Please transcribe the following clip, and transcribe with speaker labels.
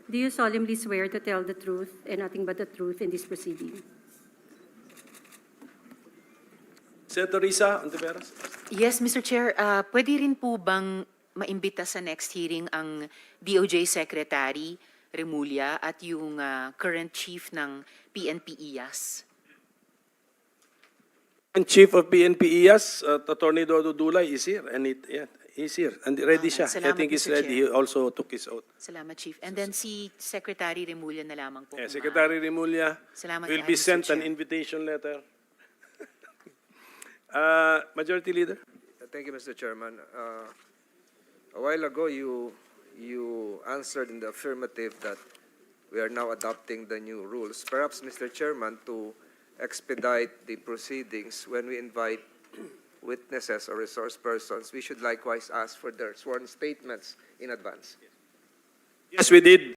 Speaker 1: Do you solemnly swear to tell the truth and nothing but the truth in this proceeding?
Speaker 2: Senator Risa Ontiveros.
Speaker 3: Yes, Mr. Chair. Pwede rin po bang maimbita sa next hearing ang DOJ Secretary Remulla at yung current chief ng PNP IAS?
Speaker 2: And Chief of PNP IAS, Attorney Dodo Dulay is here. And he's here. And ready siya. I
Speaker 3: Salamat,
Speaker 2: think he's
Speaker 3: Mr.
Speaker 2: ready.
Speaker 3: Chair.
Speaker 2: He also took his oath.
Speaker 3: Salamat, Chief. And then si Secretary Remulla na lamang po. kung
Speaker 2: Secretary Remulla
Speaker 3: Salamat
Speaker 2: will
Speaker 3: kayo,
Speaker 2: be
Speaker 3: Mr.
Speaker 2: sent an
Speaker 3: Chair.
Speaker 2: invitation letter. Majority Leader.
Speaker 4: Thank you, Mr. Chairman. A while ago, you answered in the affirmative that we are now adopting the new rules. Perhaps, Mr. Chairman, to expedite the proceedings when we invite witnesses or resource persons, we should likewise ask for their sworn statements in advance.
Speaker 2: Yes, we did.